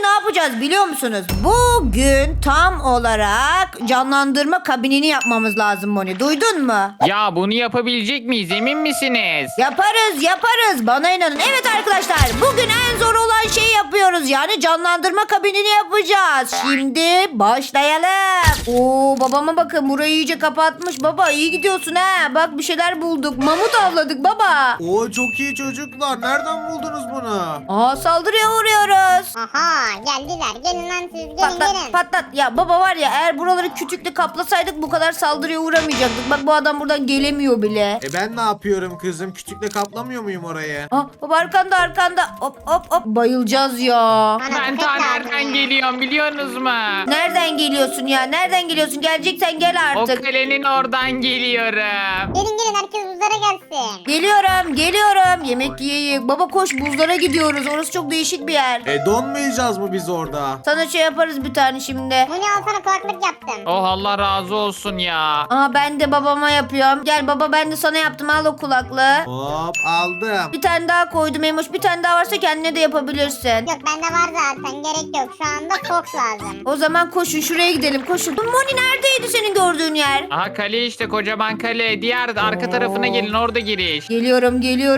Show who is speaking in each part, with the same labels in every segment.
Speaker 1: yapacağız biliyor musunuz? Bugün tam olarak canlandırma kabinini yapmamız lazım Moni. Duydun mu?
Speaker 2: Ya bunu yapabilecek miyiz? Emin misiniz?
Speaker 1: Yaparız. Bana inanın. Evet arkadaşlar, bugün en zor olan şeyi yapıyoruz. Yani canlandırma kabinini yapacağız. Şimdi başlayalım. Oo, babama bakın, burayı iyice kapatmış. Baba iyi gidiyorsun ha. Bak bir şeyler bulduk. Mamut avladık baba.
Speaker 3: Oo çok iyi çocuklar. Nereden buldunuz bunu?
Speaker 1: Aa, saldırıya uğruyoruz.
Speaker 4: Aha geldiler. Gelin lan siz. Gelin
Speaker 1: Patlat
Speaker 4: gelin.
Speaker 1: patlat. Ya baba var ya, eğer buraları kütükle kaplasaydık bu kadar saldırıya uğramayacaktık. Bak bu adam buradan gelemiyor bile.
Speaker 3: Ben ne yapıyorum kızım? Küçükle kaplamıyor muyum orayı?
Speaker 1: Aa, baba arkanda. Hop. Bayılacağız ya.
Speaker 4: Bana
Speaker 2: Ben
Speaker 4: köpek
Speaker 2: ta
Speaker 4: lazım
Speaker 2: nereden
Speaker 4: ya.
Speaker 2: geliyorum biliyorsunuz mu?
Speaker 1: Nereden geliyorsun ya? Nereden geliyorsun? Geleceksen gel
Speaker 2: O
Speaker 1: artık.
Speaker 2: kalenin oradan geliyorum.
Speaker 4: Gelin herkes buzlara gelsin.
Speaker 1: Geliyorum. Yemek yiyeyim. Baba koş, buzlara gidiyoruz. Orası çok değişik bir yer.
Speaker 3: Donmayacağız mı biz orada?
Speaker 1: Sana şey yaparız bir tane şimdi.
Speaker 4: Bunu al sana kulaklık yaptım.
Speaker 2: Oh Allah razı olsun ya.
Speaker 1: Aa, ben de babama yapıyorum. Gel baba, ben de sana yaptım. Al o kulaklığı.
Speaker 3: Hop aldım.
Speaker 1: Bir tane daha koydum Emoş. Bir tane daha varsa kendine de yapabilirsin.
Speaker 4: Yok bende var zaten gerek yok. Şu anda Fox lazım.
Speaker 1: O zaman koşun, şuraya gidelim, koşun. Moni neredeydi senin gördüğün yer?
Speaker 2: Aha kale işte, kocaman kale. Diğer arka tarafına gelin, orada giriş.
Speaker 1: Geliyorum.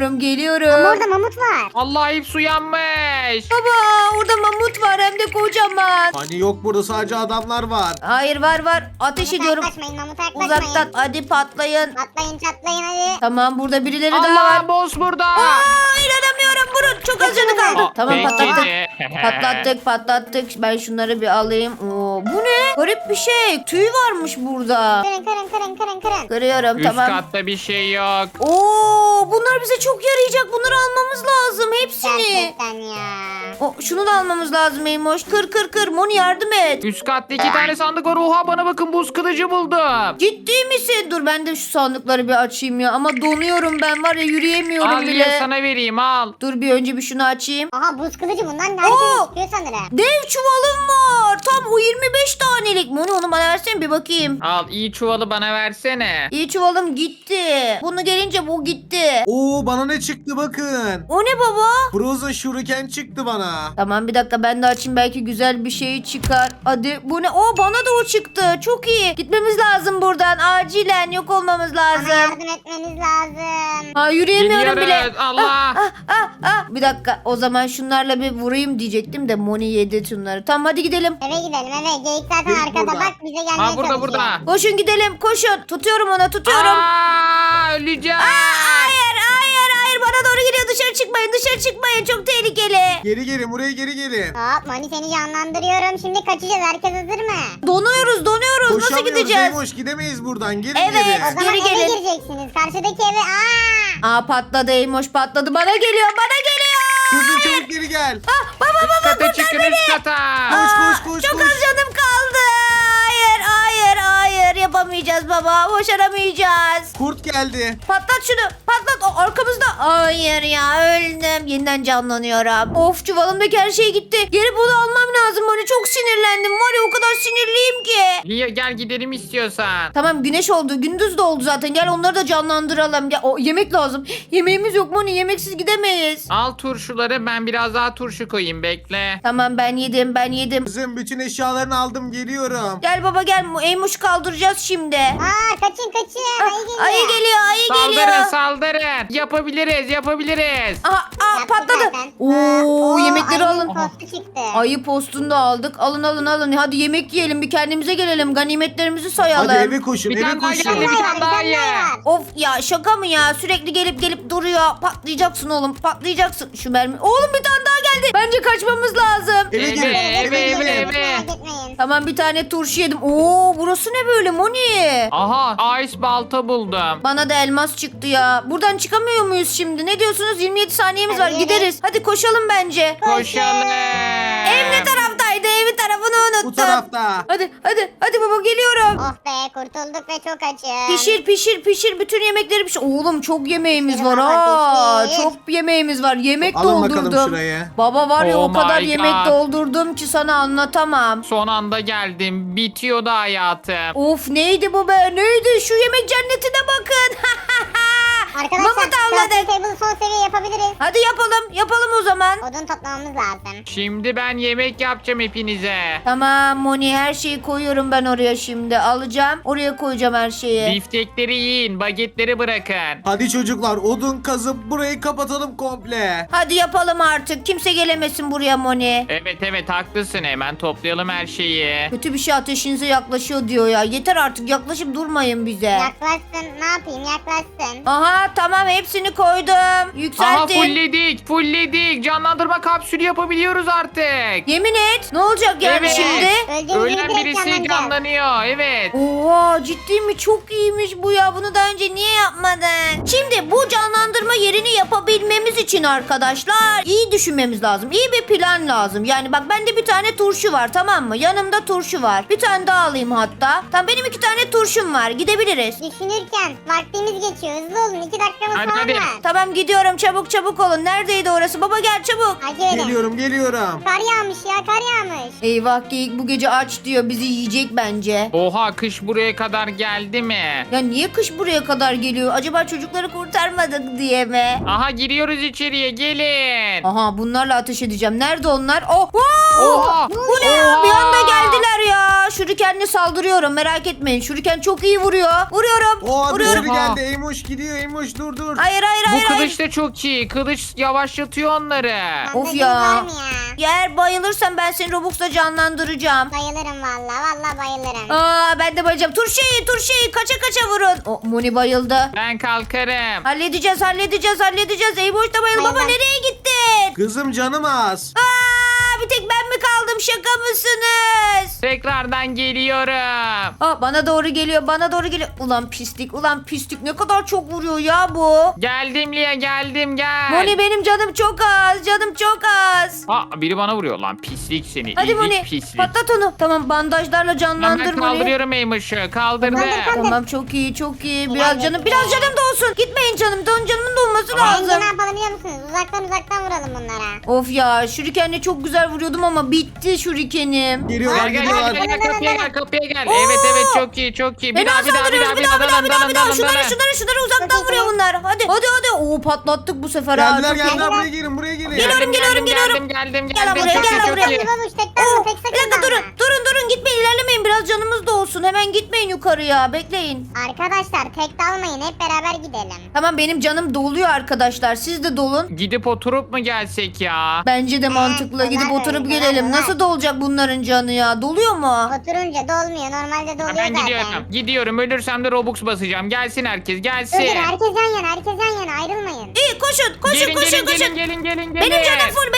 Speaker 4: Ama orada mamut var.
Speaker 2: Allah hepsi uyanmış.
Speaker 1: Baba orada mamut var, hem de kocaman.
Speaker 3: Hani yok burada sadece adamlar var.
Speaker 1: Hayır var. Ateş
Speaker 4: Mamuta
Speaker 1: ediyorum.
Speaker 4: yaklaşmayın mamuta yaklaşmayın.
Speaker 1: Uzaktan, hadi patlayın.
Speaker 4: Atlayın çatlayın hadi.
Speaker 1: Tamam, burada birileri daha var.
Speaker 2: Allah boss burada.
Speaker 1: Aa, inanamıyorum, vurun. Çok az canı kaldı.
Speaker 2: Aa,
Speaker 1: Tamam,
Speaker 2: peki.
Speaker 1: patlattık. Ben şunları bir alayım. Oo, bu ne? Garip bir şey. Tüy varmış burada.
Speaker 4: Kırın.
Speaker 1: Kırıyorum,
Speaker 2: Üst
Speaker 1: tamam.
Speaker 2: katta bir şey yok.
Speaker 1: Oo, bunlar bize çok yarayacak. Bunları almamız lazım hepsini.
Speaker 4: Gerçekten ya.
Speaker 1: O, şunu da almamız lazım Eymoş. Kır. Moni yardım et.
Speaker 2: Üst katta 2 tane sandık var. Oha bana bakın, buz kılıcı buldum.
Speaker 1: Ciddi misin? Dur ben de şu sandıkları bir açayım ya. Ama donuyorum ben, var ya, yürüyemiyorum
Speaker 2: Al
Speaker 1: bile.
Speaker 2: ya, sana vereyim al.
Speaker 1: Dur bir önce bir şunu açayım.
Speaker 4: Aha buz kılıcı bundan da
Speaker 1: Oo!
Speaker 4: herkes istiyor sanırım.
Speaker 1: Dev çuvalım var. Tam o 25 tanelik. Moni onu bana versene bir bakayım.
Speaker 2: Al, iyi çuvalı bana versene.
Speaker 1: İyi çuvalım gitti. Bunu gelince bu gitti.
Speaker 3: Oo bana ne çıktı bakın.
Speaker 1: O ne baba?
Speaker 3: Frozen Shuriken çıktı bana.
Speaker 1: Tamam bir dakika, ben de açayım, belki güzel bir şey çıkar. Hadi bu ne? Oo, bana da o çıktı. Çok iyi. Gitmemiz lazım buradan. Acilen yok olmamız
Speaker 4: Bana
Speaker 1: lazım.
Speaker 4: yardım etmeniz lazım.
Speaker 1: Ha, yürüyemiyorum bile.
Speaker 2: Geliyoruz, Allah.
Speaker 1: Bir dakika, o zaman şunlarla bir vurayım diyecektim de Moni yedi şunları. Tamam hadi gidelim.
Speaker 4: Eve gidelim eve. Geyik zaten
Speaker 3: Geyik
Speaker 4: arkada
Speaker 3: burada.
Speaker 4: bak bize gelmeye
Speaker 2: Ha, burada
Speaker 4: çalışıyor.
Speaker 2: burada.
Speaker 1: Koşun gidelim, koşun. Tutuyorum onu, tutuyorum.
Speaker 2: Aa, öleceğim.
Speaker 1: Hayır, bana doğru geliyor. Dışarı çıkmayın. Çok tehlikeli.
Speaker 3: Geri gelin buraya geri gelin.
Speaker 4: Hop Mani seni canlandırıyorum. Şimdi kaçacağız. Herkes hazır mı?
Speaker 1: Donuyoruz. Nasıl
Speaker 3: Koşamıyoruz
Speaker 1: gideceğiz?
Speaker 3: Eymoş, gidemeyiz buradan. Gelin
Speaker 1: Evet.
Speaker 3: geri.
Speaker 4: O zaman
Speaker 1: Geri
Speaker 4: eve
Speaker 1: gelin.
Speaker 4: gireceksiniz. Karşıdaki eve. Aa!
Speaker 1: Patladı Eymoş, patladı. Bana geliyor.
Speaker 3: Kızım çabuk geri gel.
Speaker 2: Üst kata çıkın, üst kata.
Speaker 3: Koş.
Speaker 1: Çok az canım kaldı. Hayır. Yapamayacağız baba. Başaramayacağız.
Speaker 3: Kurt geldi.
Speaker 1: Patlat şunu. Patlat. O arkamızda. Hayır ya, öldüm. Yeniden canlanıyorum. Of, çuvalımdaki her şey gitti. Geri bunu almam lazım. Böyle çok sinirlendim. Var ya, o kadar sinirliyim ki.
Speaker 2: Lia gel gidelim istiyorsan.
Speaker 1: Tamam, güneş oldu. Gündüz de oldu zaten. Gel onları da canlandıralım. Ya, o yemek lazım. Yemeğimiz yok Moni. Yemeksiz gidemeyiz.
Speaker 2: Al turşuları, ben biraz daha turşu koyayım, bekle.
Speaker 1: Tamam, ben yedim.
Speaker 3: Kızım bütün eşyalarını aldım geliyorum.
Speaker 1: Gel baba gel. Eymoş'u kaldıracağız şimdi.
Speaker 4: Aa kaçın. Ayı geliyor.
Speaker 1: Ayı geliyor.
Speaker 2: Saldırın. Yapabiliriz.
Speaker 1: Aha,
Speaker 4: Yaptı
Speaker 1: patladı.
Speaker 4: zaten.
Speaker 1: Oo, yemekleri
Speaker 4: ayının
Speaker 1: alın.
Speaker 4: postu çıktı.
Speaker 1: Ayı postunu da aldık. Alın. Hadi yemek yiyelim. Bir kendimize gelelim. Ganimetlerimizi sayalım.
Speaker 3: Hadi eve koşun
Speaker 2: Bir tane daha
Speaker 3: koşun.
Speaker 2: geldi, bir tane daha ye.
Speaker 1: Of ya, şaka mı ya? Sürekli gelip duruyor. Patlayacaksın oğlum. Patlayacaksın. Şu mermi. Oğlum bir tane daha geldi. Bence kaçmamız lazım.
Speaker 3: Eve
Speaker 2: Eve,
Speaker 3: gelin.
Speaker 2: eve.
Speaker 4: Merak etmeyin.
Speaker 1: Tamam, bir tane turşu yedim. Oo, burası ne böyle Moni?
Speaker 2: Aha, ice balta buldum.
Speaker 1: Bana da elmas çıktı ya. Buradan çıkamıyor muyuz şimdi? Ne diyorsunuz? 27 saniyemiz var.
Speaker 4: Hadi
Speaker 1: Gideriz. Hadi koşalım bence.
Speaker 2: Koşalım.
Speaker 1: Ev ne taraftaydı? Evin tarafını unuttum.
Speaker 3: Bu tarafta.
Speaker 1: Hadi baba, geliyorum.
Speaker 4: Oh be kurtulduk ve çok açım.
Speaker 1: Pişir. Bütün yemekleri pişir. Oğlum çok yemeğimiz
Speaker 4: Pişir
Speaker 1: var
Speaker 4: baba,
Speaker 1: ha.
Speaker 4: pişir.
Speaker 1: Çok yemeğimiz var. Yemek
Speaker 3: Alın bakalım
Speaker 1: doldurdum.
Speaker 3: şuraya.
Speaker 1: Baba var ya,
Speaker 2: Oh
Speaker 1: o kadar
Speaker 2: my
Speaker 1: yemek
Speaker 2: God.
Speaker 1: doldurdum ki sana anlatamam.
Speaker 2: Son anda geldim. Bitiyordu hayatım.
Speaker 1: Of, neydi bu be? Neydi? Şu yemek cennetine bakın.
Speaker 4: Arkadaşlar
Speaker 1: Mamut avladık.
Speaker 4: crafting table son seviye yapabiliriz.
Speaker 1: Hadi yapalım. Yapalım o zaman.
Speaker 4: Odun toplamamız lazım.
Speaker 2: Şimdi ben yemek yapacağım hepinize.
Speaker 1: Tamam Moni, her şeyi koyuyorum ben oraya şimdi. Alacağım. Oraya koyacağım her şeyi.
Speaker 2: Biftekleri yiyin, bagetleri bırakın.
Speaker 3: Hadi çocuklar odun kazıp burayı kapatalım komple.
Speaker 1: Hadi yapalım artık. Kimse gelemesin buraya Moni.
Speaker 2: Evet haklısın, hemen toplayalım her şeyi.
Speaker 1: Kötü bir şey ateşinize yaklaşıyor diyor ya. Yeter artık, yaklaşıp durmayın bize.
Speaker 4: Yaklaşsın. Ne yapayım? Yaklaşsın.
Speaker 1: Aha tamam, hepsini koydum.
Speaker 2: Aha
Speaker 1: Yükseltin.
Speaker 2: fullledik. Canlandırma kapsülü yapabiliyoruz artık.
Speaker 1: Yemin et. Ne olacak yani
Speaker 2: Evet.
Speaker 1: şimdi?
Speaker 4: Öldüğümüzde
Speaker 2: Ölen
Speaker 4: direkt
Speaker 2: birisi
Speaker 4: canlanacağız.
Speaker 2: canlanıyor, evet.
Speaker 1: Oha, ciddi mi? Çok iyiymiş bu ya. Bunu daha önce niye yapmadın? Şimdi bu canlandırma yerini yapabilmemiz için arkadaşlar iyi düşünmemiz lazım. İyi bir plan lazım. Yani bak, bende bir tane turşu var, tamam mı? Yanımda turşu var. Bir tane daha alayım hatta. Tamam, benim 2 tane turşum var. Gidebiliriz.
Speaker 4: Düşünürken vaktimiz geçiyor. Hızlı olun. 2 dakikamız
Speaker 2: Hadi,
Speaker 4: falan
Speaker 2: hadi.
Speaker 4: var.
Speaker 1: Tamam, gidiyorum. Çabuk olun. Neredeydi orası? Baba gel çabuk.
Speaker 4: Hadi öyle.
Speaker 3: Geliyorum.
Speaker 4: Kar yağmış ya, kar yağmış.
Speaker 1: Eyvah, geyik bu gece aç diyor. Bizi yiyecek bence.
Speaker 2: Oha, kış buraya kadar geldi mi?
Speaker 1: Ya niye kış buraya kadar geliyor? Acaba çocukları kurtarmadık diye mi?
Speaker 2: Aha, giriyoruz içeriye, gelin.
Speaker 1: Aha, bunlarla ateş edeceğim. Nerede onlar? Oh! Wow!
Speaker 2: Oha.
Speaker 1: Bu ne ya? Bir anda geldiler ya. Şurikenle saldırıyorum. Merak etmeyin. Şuriken çok iyi vuruyor. Vuruyorum.
Speaker 3: O
Speaker 1: Vuruyorum.
Speaker 3: biri geldi. Eymuş gidiyor. Eymuş dur.
Speaker 1: Hayır.
Speaker 2: Bu kılıç da çok iyi. Kılıç yavaşlatıyor onları.
Speaker 1: Of
Speaker 4: Bandajınız
Speaker 1: ya.
Speaker 4: var mı ya?
Speaker 1: Eğer bayılırsan ben seni Robux'la canlandıracağım.
Speaker 4: Bayılırım valla. Valla bayılırım.
Speaker 1: Ben de bayılacağım. Turşeyi kaça vurun. O Moni bayıldı.
Speaker 2: Ben kalkarım.
Speaker 1: Halledeceğiz. Eyboş da bayıldı. Baba
Speaker 4: Bayıldım.
Speaker 1: nereye gittin?
Speaker 3: Kızım canım az.
Speaker 1: Bir tek ben mi kaldım? Şaka mısınız?
Speaker 2: Tekrardan geliyorum.
Speaker 1: Bana doğru geliyor. Ulan pislik ne kadar çok vuruyor ya bu.
Speaker 2: Geldim Lia, geldim, gel.
Speaker 1: Moni, benim canım çok az.
Speaker 2: Biri bana vuruyor lan, pislik seni.
Speaker 1: Hadi
Speaker 2: İyilik
Speaker 1: Moni,
Speaker 2: pislik.
Speaker 1: patlat onu. Tamam, bandajlarla canlandır
Speaker 2: Ben
Speaker 1: Moni.
Speaker 2: kaldırıyorum Eymuş'u. Kaldırdım.
Speaker 1: Tamam, çok iyi. Biraz canım da olsun. Gitmeyin canım. Canımın da olması
Speaker 4: Bence
Speaker 1: lazım.
Speaker 4: ne yapalım biliyor musunuz? Uzaktan vuralım bunlara.
Speaker 1: Of ya, şurikenle çok güzel vuruyordum ama bitti şurikenim.
Speaker 3: Geliyorlar
Speaker 2: Gel
Speaker 3: geliyorlar.
Speaker 2: kapıya gel.
Speaker 1: Oo.
Speaker 2: Evet çok iyi. Bir daha
Speaker 1: Şunları uzaktan vuruyor bunlar. Hadi. Oo, patlattık bu sefer ha. Çok iyi.
Speaker 3: Geldiler buraya gelin.
Speaker 1: Geliyorum.
Speaker 2: Geldim.
Speaker 1: Gel lan buraya,
Speaker 2: Çok
Speaker 1: gel
Speaker 2: iyi,
Speaker 1: lan
Speaker 2: çok
Speaker 1: buraya.
Speaker 2: iyi.
Speaker 4: Babuş tekten mi? Tek
Speaker 1: Bir
Speaker 4: sakın
Speaker 1: dakika
Speaker 4: dalma.
Speaker 1: durun gitmeyin, ilerlemeyin, biraz canımız da olsun. Hemen gitmeyin yukarıya, bekleyin.
Speaker 4: Arkadaşlar tek dalmayın. Hep beraber gidelim.
Speaker 1: Tamam, benim canım doluyor arkadaşlar, siz de dolun.
Speaker 2: Gidip oturup mu gelsek ya?
Speaker 1: Bence de mantıklı, gidip
Speaker 4: kolay
Speaker 1: oturup
Speaker 4: öyle,
Speaker 1: gelelim.
Speaker 4: kolay.
Speaker 1: Nasıl dolacak bunların canı ya? Doluyor mu?
Speaker 4: Oturunca dolmuyor. Normalde doluyor
Speaker 2: Ben
Speaker 4: zaten.
Speaker 2: gidiyorum. Ölürsem de Robux basacağım. Gelsin herkes, gelsin.
Speaker 4: Dur herkes yan yana ayrılmayın.
Speaker 1: İyi, koşun.
Speaker 2: Gelin.
Speaker 1: Benim canım full.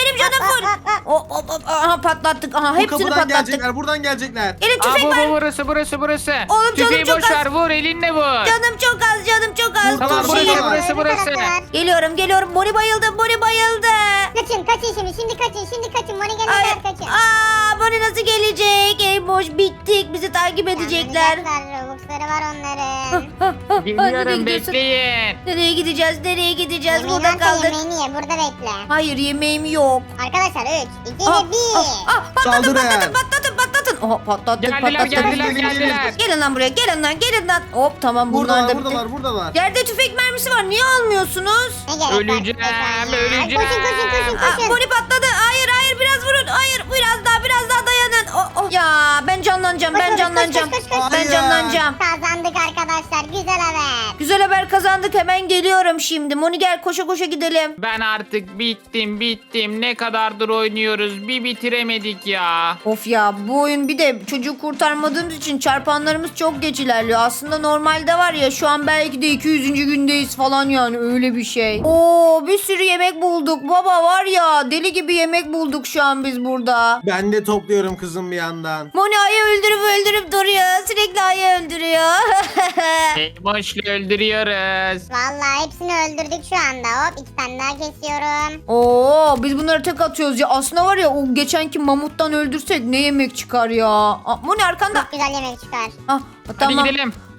Speaker 1: Aha, patlattık. Aha,
Speaker 3: Bu
Speaker 1: hepsini
Speaker 3: kapıdan
Speaker 1: patlattık.
Speaker 3: gelecekler. Buradan gelecekler.
Speaker 1: Gelin, tüfek var.
Speaker 2: Burası.
Speaker 1: Oğlum, canım
Speaker 2: Tüfeği
Speaker 1: çok
Speaker 2: boş
Speaker 1: az.
Speaker 2: ver, vur elinle vur.
Speaker 1: Canım çok az.
Speaker 2: Tamam,
Speaker 1: Turşuyu-
Speaker 2: burası.
Speaker 1: Geliyorum. Moni bayıldı.
Speaker 4: Kaçın şimdi kaçın. Moni gelene
Speaker 1: Ay,
Speaker 4: kadar kaçın.
Speaker 1: Moni nasıl gelecek? Ey boş, bittik. Bizi takip edecekler.
Speaker 4: Anlayacaklar, Robux'ları var onların.
Speaker 1: Nereye
Speaker 2: Geliyorum,
Speaker 1: gidiyorsun?
Speaker 2: bekleyin.
Speaker 1: Nereye gideceğiz?
Speaker 4: Yemeğini
Speaker 1: Burada
Speaker 4: varsa
Speaker 1: kaldık.
Speaker 4: yemeğini ye. Burada bekle.
Speaker 1: Hayır, yemeğim yok.
Speaker 4: Arkadaşlar 3, 2
Speaker 1: Ah,
Speaker 4: ve 1.
Speaker 1: Patlatın. Oha, patlattık.
Speaker 2: Geldiler.
Speaker 1: Gelin lan buraya, gelin lan. Hop, tamam, bunlar da bitti.
Speaker 3: Buradalar.
Speaker 1: Yerde tüfek mermisi var. Niye almıyorsunuz?
Speaker 4: Ne gerek var
Speaker 2: Öleceğim,
Speaker 4: tüfek var ya?
Speaker 2: öleceğim.
Speaker 4: Koşun.
Speaker 1: Moni patladı. Hayır, biraz vurun. Hayır, biraz daha dayanın. Ya ben canlanacağım.
Speaker 4: Koş.
Speaker 1: Ben
Speaker 3: Hayır.
Speaker 1: canlanacağım.
Speaker 4: Kazandık arkadaşlar. Güzel haber.
Speaker 1: Güzel haber kazandık. Hemen geliyorum şimdi. Moni gel, koşa gidelim.
Speaker 2: Ben artık bittim. Ne kadardır oynuyoruz. Bir bitiremedik ya.
Speaker 1: Of ya, bu oyun bir de çocuğu kurtarmadığımız için çarpanlarımız çok geç ilerliyor. Aslında normalde var ya, şu an belki de 200. gündeyiz falan, yani öyle bir şey. Oo, bir sürü yemek bulduk. Baba var ya, deli gibi yemek bulduk şu an biz burada.
Speaker 3: Ben de topluyorum kızım bir yandan.
Speaker 1: Moni ayı öldürüp duruyor. Sürekli ayı öldürüyor.
Speaker 2: Eymoş'la öldürüyoruz.
Speaker 4: Vallahi hepsini öldürdük şu anda. Hop 2 tane daha kesiyorum.
Speaker 1: Oo, biz bunları tek atıyoruz ya. Aslında var ya, o geçenki mamuttan öldürsek ne yemek çıkar ya. Moni arkanda.
Speaker 4: Çok güzel yemek çıkar.
Speaker 1: Tamam.
Speaker 2: Hadi gidelim.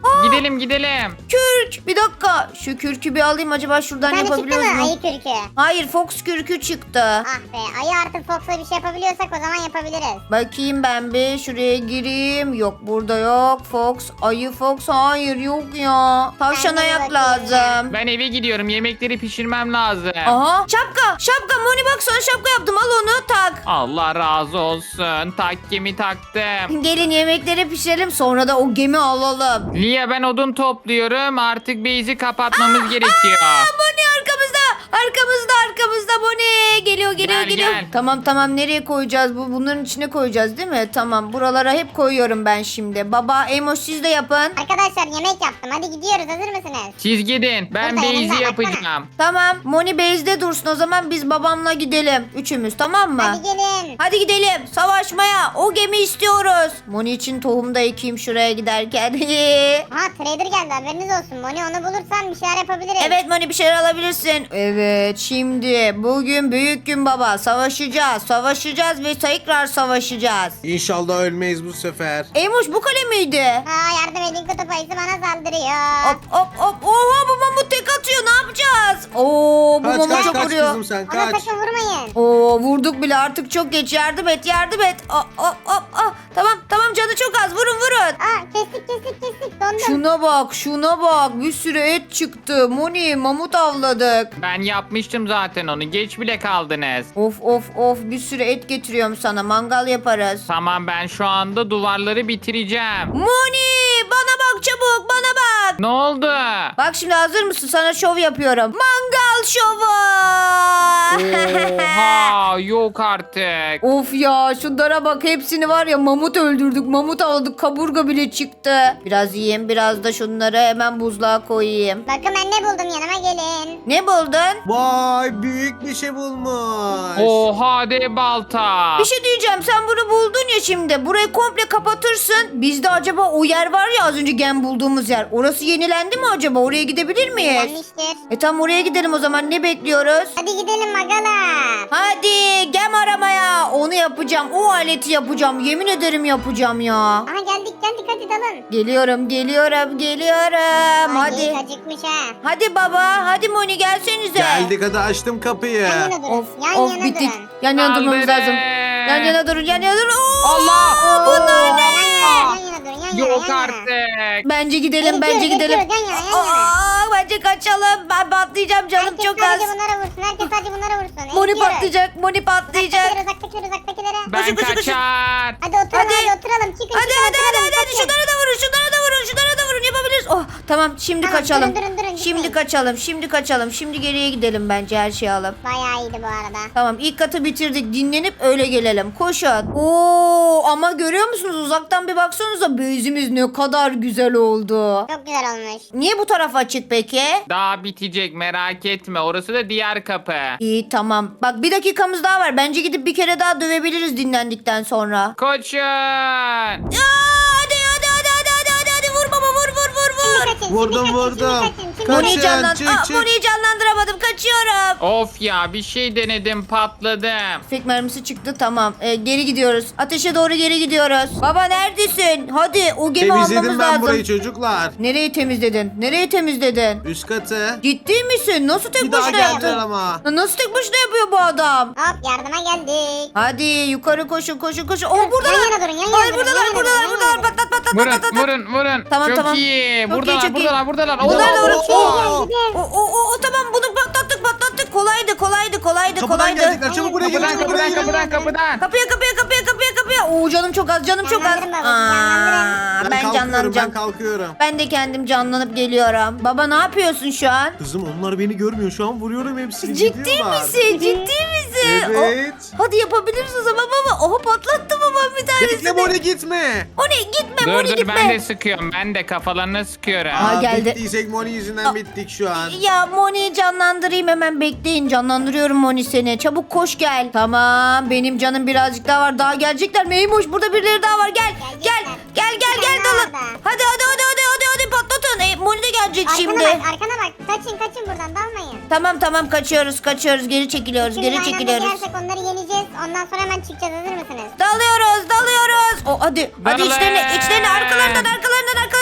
Speaker 2: Gidelim gidelim.
Speaker 1: Kürk. Bir dakika. Şu kürkü bir alayım, acaba şuradan
Speaker 4: Bir tane çıktı
Speaker 1: yapabiliyoruz
Speaker 4: mı?
Speaker 1: mu?
Speaker 4: Ayı kürkü.
Speaker 1: Hayır, Fox kürkü çıktı.
Speaker 4: Ah be, ayı artık Fox'la bir şey yapabiliyorsak o zaman yapabiliriz.
Speaker 1: Bakayım ben bir şuraya gireyim. Yok, burada yok. Fox. Ayı Fox. Hayır, yok ya. Tavşan
Speaker 4: Ben de bir
Speaker 1: ayak
Speaker 4: bakayım
Speaker 1: lazım.
Speaker 2: Ben eve gidiyorum. Yemekleri pişirmem lazım.
Speaker 1: Aha. Şapka. Şapka. Moni bak, sana şapka yaptım. Al onu tak.
Speaker 2: Allah razı olsun. Takkemi taktım.
Speaker 1: Gelin yemekleri pişirelim, sonra da o gemi alalım.
Speaker 2: Lia ben odun topluyorum. Artık base'i kapatmamız gerekiyor.
Speaker 1: Moni arkamızda. Arkamızda Moni. Geliyor
Speaker 2: Gel,
Speaker 1: geliyor.
Speaker 2: gel.
Speaker 1: Tamam, nereye koyacağız? Bunların içine koyacağız değil mi? Tamam, buralara hep koyuyorum ben şimdi. Baba, Emo siz de yapın.
Speaker 4: Arkadaşlar yemek yaptım. Hadi gidiyoruz. Hazır mısınız?
Speaker 2: Siz gidin. Ben
Speaker 4: Burada elimde,
Speaker 2: base'i
Speaker 4: baksana.
Speaker 2: yapacağım.
Speaker 1: Tamam, Moni base'de dursun, o zaman biz babamla gidelim. Üçümüz, tamam mı?
Speaker 4: Hadi gelin.
Speaker 1: Hadi gidelim savaşmaya. O gemi istiyoruz. Moni için tohum da ekeyim şuraya giderken.
Speaker 4: Ha, trader geldi, haberiniz olsun. Moni, onu bulursan bir şeyler yapabiliriz.
Speaker 1: Evet Moni, bir şeyler alabilirsin. Evet, şimdi bugün büyük gün baba. Savaşacağız ve tekrar savaşacağız.
Speaker 3: İnşallah ölmeyiz bu sefer.
Speaker 1: Eymuş, bu kale miydi?
Speaker 4: Ha, yardım edin, kutup ayısı bana saldırıyor.
Speaker 1: Hop. Oha, bu mamut tek atıyor, ne yapacağız? Oo, bu
Speaker 3: Kaç
Speaker 1: mamut çok
Speaker 3: kaç
Speaker 1: vuruyor.
Speaker 3: kızım sen
Speaker 4: Ona
Speaker 3: kaç.
Speaker 4: sakın vurmayın.
Speaker 1: Oo, vurduk bile, artık çok geç. Yardım et. Tamam, canı çok az. Vurun.
Speaker 4: Aa, kestik. Dondum.
Speaker 1: Şuna bak. Bir sürü et çıktı. Moni, mamut avladık.
Speaker 2: Ben yapmıştım zaten onu. Geç bile kaldınız.
Speaker 1: Of, bir sürü et getiriyorum sana. Mangal yaparız.
Speaker 2: Tamam ben şu anda duvarları bitireceğim.
Speaker 1: Moni, bana bak çabuk, bana bak.
Speaker 2: Ne oldu?
Speaker 1: Bak şimdi, hazır mısın? Sana şov yapıyorum. Mangal şovu.
Speaker 2: Oha yok artık.
Speaker 1: Of ya, şunlara bak, hepsini var ya, mamut öldürdük, mamut avladık, kaburga bile çıktı. Biraz yiyeyim, biraz da şunları hemen buzluğa koyayım.
Speaker 4: Bakın ben ne buldum, yanıma gelin.
Speaker 1: Ne buldun?
Speaker 3: Vay büyük bir şey bulmuş.
Speaker 2: Oha de balta.
Speaker 1: Bir şey diyeceğim, sen bunu buldun ya şimdi. Burayı komple kapatırsın. Bizde acaba o yer var ya, az önce gem bulduğumuz yer. Orası yenilendi mi acaba? Oraya gidebilir miyiz?
Speaker 4: Gelmiştir.
Speaker 1: Tam oraya gidelim o zaman, ne bekliyoruz?
Speaker 4: Hadi gidelim magala.
Speaker 1: Hadi gem aramaya. Onu yapacağım, o aleti yapacağım. Yemin ederim yapacağım ya.
Speaker 4: Aha, geldik hadi dalın.
Speaker 1: Geliyorum.
Speaker 4: Ay,
Speaker 1: Hadi.
Speaker 4: acıkmış ha.
Speaker 1: Hadi baba, hadi Moni, gelsenize.
Speaker 3: Geldik hadi açtım kapıyı.
Speaker 4: Yan yana durun.
Speaker 1: Of,
Speaker 4: yan yana
Speaker 1: bittik.
Speaker 4: durun.
Speaker 1: Yan yana durmamız
Speaker 2: Kaldırın.
Speaker 1: lazım. Yan yana durun. Oo,
Speaker 2: Allah!
Speaker 1: bunlar ne?
Speaker 4: Yan yana durun. Yan yana.
Speaker 2: Yok
Speaker 4: yan yana.
Speaker 2: artık.
Speaker 1: Bence gidelim.
Speaker 4: Geçiyoruz, yan yana.
Speaker 1: Bence kaçalım. Ben patlayacağım, canım
Speaker 4: Herkes
Speaker 1: çok az.
Speaker 4: sadece bunlara vursun. Herkes sadece bunlara vursun.
Speaker 1: Moni
Speaker 4: Eğitiyoruz.
Speaker 1: patlayacak.
Speaker 4: Uzaktakilere.
Speaker 2: Ben
Speaker 1: Koşun.
Speaker 2: kaçar.
Speaker 4: Hadi oturalım,
Speaker 1: Hadi.
Speaker 4: hadi oturalım. Çıkın.
Speaker 1: Hadi. Şunlara da vurun. Yapabiliriz. Oh, tamam, şimdi
Speaker 4: Tamam,
Speaker 1: kaçalım.
Speaker 4: durun,
Speaker 1: Şimdi kaçalım. Şimdi geriye gidelim bence, her şeyi alıp.
Speaker 4: Bayağı iyiydi bu arada.
Speaker 1: Tamam, ilk katı bitirdik. Dinlenip öyle gelelim. Koşun. Oo, ama görüyor musunuz? Uzaktan bir baksanıza, base'imiz ne kadar güzel oldu.
Speaker 4: Çok güzel olmuş.
Speaker 1: Niye bu taraf açık peki?
Speaker 2: Daha bitecek merak etme. Orası da diğer kapı.
Speaker 1: İyi, tamam. Bak, bir dakikamız daha var. Bence gidip bir kere daha dövebiliriz dinlendikten sonra.
Speaker 2: Koşun.
Speaker 1: Hadi. Vur baba, vur.
Speaker 4: Şimdi kaçın.
Speaker 3: Vurdum.
Speaker 1: Moni'yi
Speaker 3: Kaçın, çık.
Speaker 1: Moni'yi canlandıramadım. Kaçıyorum.
Speaker 2: Of ya bir şey denedim patladım.
Speaker 1: Tüfek mermisi çıktı, tamam. Geri gidiyoruz. Ateşe doğru geri gidiyoruz. Baba neredesin? Hadi, o gemi almamız
Speaker 3: Temizledim ben
Speaker 1: lazım.
Speaker 3: burayı çocuklar.
Speaker 1: Nereye temizledin?
Speaker 3: Üst katı.
Speaker 1: Ciddi misin? Nasıl tek
Speaker 3: Bir daha
Speaker 1: başına
Speaker 3: geldiler
Speaker 1: yaptın?
Speaker 3: ama.
Speaker 1: Nasıl tek başına yapıyor bu adam?
Speaker 4: Hop, yardıma geldik.
Speaker 1: Hadi yukarı koşun. Oo, buradalar.
Speaker 4: Yan yana durun, yan yana
Speaker 1: Hayır,
Speaker 4: durun,
Speaker 1: buradalar.
Speaker 4: yan yana durun.
Speaker 1: Patlat.
Speaker 2: Vurun.
Speaker 1: Tamam,
Speaker 2: Çok
Speaker 1: tamam.
Speaker 2: iyi.
Speaker 1: Çok iyi,
Speaker 2: Buradalar.
Speaker 1: Bunlar da
Speaker 2: Oo,
Speaker 1: vurun.
Speaker 3: Oo.
Speaker 1: O tamam, bunu patlattık. Kolaydı.
Speaker 3: Kapıdan geldikler çabuk buraya gelin.
Speaker 2: Kapıdan.
Speaker 1: Kapıya. Oo, canım çok az.
Speaker 4: Canlandırın babacığım, canlandırın.
Speaker 1: Ben canlanacağım.
Speaker 3: Ben kalkıyorum.
Speaker 1: Ben de kendim canlanıp geliyorum. Baba, ne yapıyorsun şu an?
Speaker 3: Kızım onlar beni görmüyor şu an vuruyorum hepsini.
Speaker 1: Ciddi
Speaker 3: gidiyorlar.
Speaker 1: misin?
Speaker 3: Evet.
Speaker 1: Hadi yapabiliriz o zaman baba. Oha, patlattı babam bir tanesini.
Speaker 3: Bekle Moni gitme.
Speaker 1: Moni gitme, Moni
Speaker 2: Dur
Speaker 1: gitme.
Speaker 2: ben de sıkıyorum. Ben de kafalarına sıkıyorum.
Speaker 1: Aa, geldi.
Speaker 3: Bittiysek Moni yüzünden bittik şu an.
Speaker 1: Ya Moni'yi canlandırayım hemen, bekleyin. Canlandırıyorum Moni seni. Çabuk koş gel. Tamam, benim canım birazcık daha var. Daha gelecekler mi? Eymoş, burada birileri daha var. Gel
Speaker 4: Gelecekler.
Speaker 1: dalın.
Speaker 4: daha var.
Speaker 1: Hadi patlatın. Moni de gelecek şimdi.
Speaker 4: Arkana bak. Kaçın buradan, dalmayın.
Speaker 1: Tamam, kaçıyoruz. Geri çekiliyoruz.
Speaker 4: Şimdi aynı anda girersek onları yeneceğiz. Ondan sonra hemen çıkacağız, hazır mısınız?
Speaker 1: Dalıyoruz. Hadi
Speaker 2: Dalın.
Speaker 1: içlerine arkalarından. Bir daha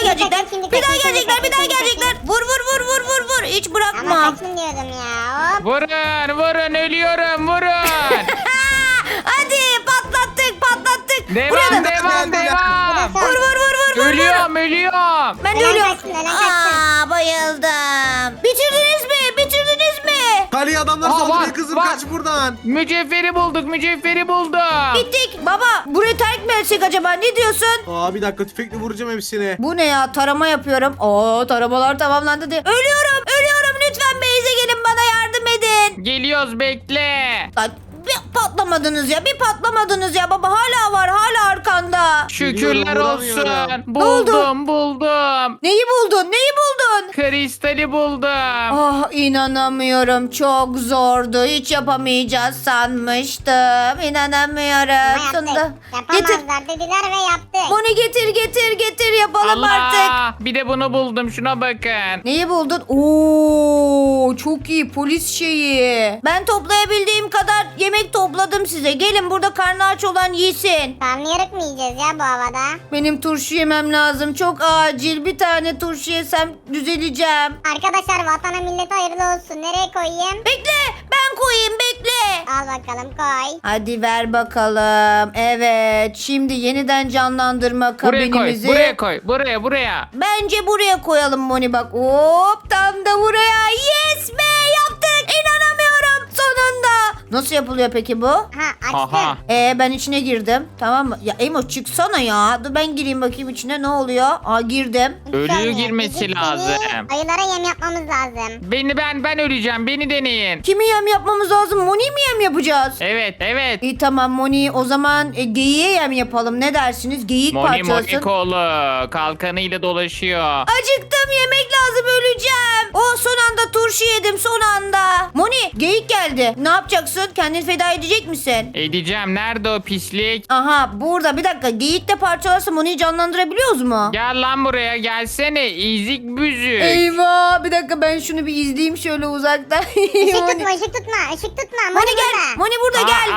Speaker 1: gelecekler.
Speaker 4: kaçın, şimdi
Speaker 1: Bir daha
Speaker 4: kaçın, şimdi
Speaker 1: gelecekler. Bir
Speaker 4: kaçın,
Speaker 1: daha
Speaker 4: şimdi
Speaker 1: gelecekler. Vur vur vur vur vur vur. Hiç
Speaker 4: Ama
Speaker 1: bırakma.
Speaker 4: kaçın diyordum ya. Hop.
Speaker 2: Vurun vurun ölüyorum vurun.
Speaker 1: Hadi patlattık patlattık. Buraya
Speaker 2: Devam
Speaker 1: da-
Speaker 2: devam devam.
Speaker 1: Vur vur vur vur vur.
Speaker 2: Ölüyorum ölüyorum.
Speaker 1: Ben de
Speaker 4: Ölen
Speaker 1: ölüyorum.
Speaker 4: kaçsın, ölen kaçsın.
Speaker 1: Bayıldım. Bitirdiniz mi? Bitirdiniz mi?
Speaker 3: Kali adamlar
Speaker 2: Aa,
Speaker 3: saldırıyor
Speaker 2: var,
Speaker 3: kızım
Speaker 2: var.
Speaker 3: kaç buradan.
Speaker 2: Mücevheri bulduk mücevheri buldum.
Speaker 1: Bittik. Baba burayı terk mi etsek acaba? Ne diyorsun?
Speaker 3: Aa bir dakika tüfekle vuracağım hepsini.
Speaker 1: Bu ne ya? Tarama yapıyorum. Taramalar tamamlandı diye. Ölüyorum. Ölüyorum. Lütfen Beyze gelin bana yardım edin.
Speaker 2: Geliyoruz bekle.
Speaker 1: Lan bir patlamadınız ya. Bir patlamadınız ya. Baba hala var. Hala arkanda.
Speaker 2: Şükürler olsun.
Speaker 3: Vuramıyorum.
Speaker 2: Buldum buldum.
Speaker 1: Neyi buldun? Neyi buldun?
Speaker 2: Kristali buldum.
Speaker 1: Ah inanamıyorum. Çok zordu. Hiç yapamayacağız sanmıştım. İnanamıyorum.
Speaker 4: Ama
Speaker 1: Sonunda.
Speaker 4: yaptık.
Speaker 1: Getir.
Speaker 4: Yapamazlar dediler ve yaptık.
Speaker 1: Moni getir yapalım artık.
Speaker 2: Allah. Bir de bunu buldum şuna bakın.
Speaker 1: Neyi buldun? Oo çok iyi polis şeyi. Ben toplayabildiğim kadar yemek topladım size. Gelin burada karnı aç olan yesin.
Speaker 4: Karnıyarık mı yiyeceğiz ya bu havada?
Speaker 1: Benim turşu yemem lazım. Çok acil. Bir tane turşu yesem düzeleceğim.
Speaker 4: Arkadaşlar vatana millete hayırlı olsun. Nereye koyayım?
Speaker 1: Bekle ben koyayım bekle.
Speaker 4: Al bakalım koy.
Speaker 1: Hadi ver bakalım. Evet şimdi yeniden canlandırma
Speaker 2: Buraya koy.
Speaker 1: kabinimizi.
Speaker 2: Buraya koy. Buraya.
Speaker 1: Bence buraya koyalım Moni bak. Hop tam da buraya. Yes be yaptık. İnanamıyorum sonunda. Nasıl yapılıyor peki bu?
Speaker 4: Ha açtım.
Speaker 2: Aha.
Speaker 1: Ben içine girdim. Tamam mı? Ya Emo çıksana ya. Dur ben gireyim bakayım içine ne oluyor? Girdim.
Speaker 4: Hiç
Speaker 2: Ölü
Speaker 4: olmuyor.
Speaker 2: girmesi
Speaker 4: Bizim
Speaker 2: lazım.
Speaker 4: seni Ayılara yem yapmamız lazım.
Speaker 2: Ben öleceğim. Beni deneyin.
Speaker 1: Kimi yem yapmamız lazım? Moni'yi mi yem yapacağız?
Speaker 2: Evet.
Speaker 1: İyi tamam Moni o zaman geyiğe yem yapalım. Ne dersiniz? Geyik
Speaker 2: Moni
Speaker 1: parçalasın.
Speaker 2: kolu kalkanıyla dolaşıyor.
Speaker 1: Acıktım yemek lazım öleceğim. Son anda turşu yedim son anda. Moni geyik geldi. Ne yapacaksın? Kendini feda edecek misin?
Speaker 2: Edeceğim. Nerede o pislik?
Speaker 1: Aha burada bir dakika geyik de parçalarsa Moni'yi canlandırabiliyoruz mu?
Speaker 2: Gel lan buraya gelsene. İzik büzük.
Speaker 1: Eyvah bir dakika ben şunu bir izleyeyim şöyle uzaktan.
Speaker 4: Işık
Speaker 1: Moni.
Speaker 4: tutma ışık tutma. Işık tutma.
Speaker 1: Moni gel. Moni burada gel.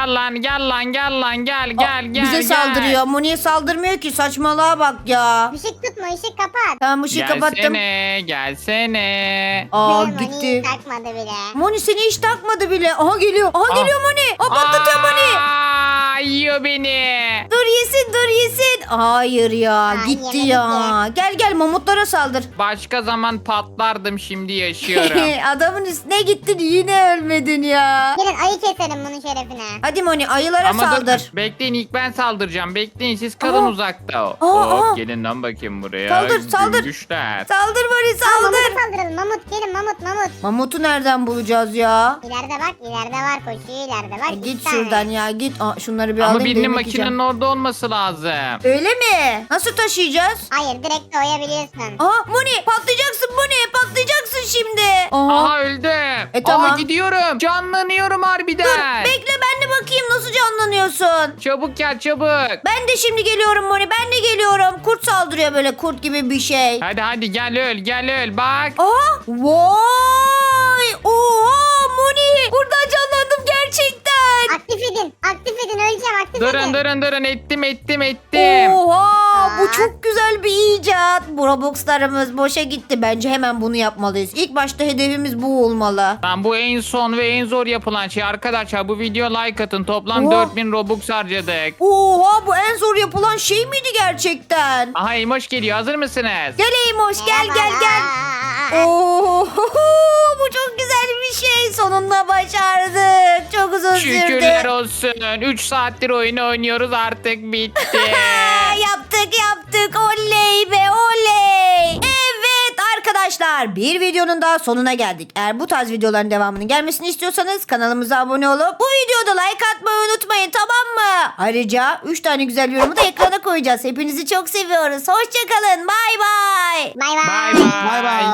Speaker 2: Gel.
Speaker 1: Bize saldırıyor. Moni'ye saldırmıyor ki saçmalığa bak ya.
Speaker 4: Işık tutma ışık kapat.
Speaker 1: Tamam ışığı kapattım.
Speaker 2: Gelsene.
Speaker 4: Moni
Speaker 1: Gitti.
Speaker 4: takmadı bile.
Speaker 1: Moni seni hiç takmadı bile. Aha geliyor. Aha geliyor Moni. Patlatıyor Moni.
Speaker 2: Yiyor beni.
Speaker 1: Dur yesin. Hayır ya gitti
Speaker 4: yemedik
Speaker 1: ya. Gel mamutlara saldır.
Speaker 2: Başka zaman patlardım şimdi yaşıyorum.
Speaker 1: Adamın üstüne gittin yine ölmedin ya.
Speaker 4: Gelin ayı keselim bunun şerefine.
Speaker 1: Hadi Moni ayılara
Speaker 2: Ama dur,
Speaker 1: saldır.
Speaker 2: bekleyin ilk ben saldıracağım. Bekleyin siz kalın
Speaker 1: Aa.
Speaker 2: uzakta.
Speaker 1: Aa.
Speaker 2: Hop gelin lan bakayım buraya.
Speaker 1: Saldır.
Speaker 2: Güçler.
Speaker 1: Saldır Moni
Speaker 4: Mamuta
Speaker 1: saldır.
Speaker 4: saldıralım. Mamut gelin mamut.
Speaker 1: Mamutu nereden bulacağız ya?
Speaker 4: İleride bak ileride var koşuyor ileride bak.
Speaker 1: Git
Speaker 4: iki tane.
Speaker 1: şuradan ya git. Şunları bir
Speaker 2: Ama
Speaker 1: alayım da
Speaker 2: birinin
Speaker 1: yemek
Speaker 2: makinenin
Speaker 1: yiyeceğim.
Speaker 2: orada olması lazım.
Speaker 1: Öyle mi? Nasıl taşıyacağız?
Speaker 4: Hayır direkt koyabiliyorsun.
Speaker 1: Moni patlayacaksın Moni patlayacaksın şimdi.
Speaker 2: Aha öldüm.
Speaker 1: Tamam.
Speaker 2: Gidiyorum. Canlanıyorum harbiden.
Speaker 1: Bekle ben de bakayım nasıl canlanıyorsun.
Speaker 2: Çabuk gel çabuk.
Speaker 1: Ben de şimdi geliyorum Moni ben de geliyorum. Kurt saldırıyor böyle kurt gibi bir şey.
Speaker 2: Hadi gel öl bak.
Speaker 1: Vay! Oha Moni! Buradan canlandım gerçekten.
Speaker 4: Aktif edin öleceğim aktif edin.
Speaker 2: Durun ettim.
Speaker 1: Oha! Bu
Speaker 4: Aa.
Speaker 1: çok güzel bir icat. Bu Robux'larımız boşa gitti. Bence hemen bunu yapmalıyız. İlk başta hedefimiz bu olmalı.
Speaker 2: Tamam bu en son ve en zor yapılan şey arkadaşlar. Bu video like atın. Toplam
Speaker 1: Oha.
Speaker 2: 4000 Robux harcadık.
Speaker 1: Oha bu en zor yapılan şey miydi gerçekten?
Speaker 2: Aha Emoş geliyor. Hazır mısınız?
Speaker 1: Gel Eymoş gel.
Speaker 4: Merhabalar.
Speaker 1: Oo, bu çok güzel bir şey. Sonunda başardık. Çok uzun
Speaker 2: Şükürler
Speaker 1: sürdü.
Speaker 2: olsun. 3 saattir oyunu oynuyoruz artık bitti.
Speaker 1: Yaptık. Oley be oley. Evet arkadaşlar bir videonun daha sonuna geldik. Eğer bu tarz videoların devamının gelmesini istiyorsanız kanalımıza abone olup bu videoda like atmayı unutmayın tamam mı? Ayrıca 3 tane güzel yorumu da ekrana koyacağız. Hepinizi çok seviyoruz. Hoşçakalın. Bay bay.
Speaker 4: Bay bay.
Speaker 2: Bye bye.
Speaker 3: Bay bay.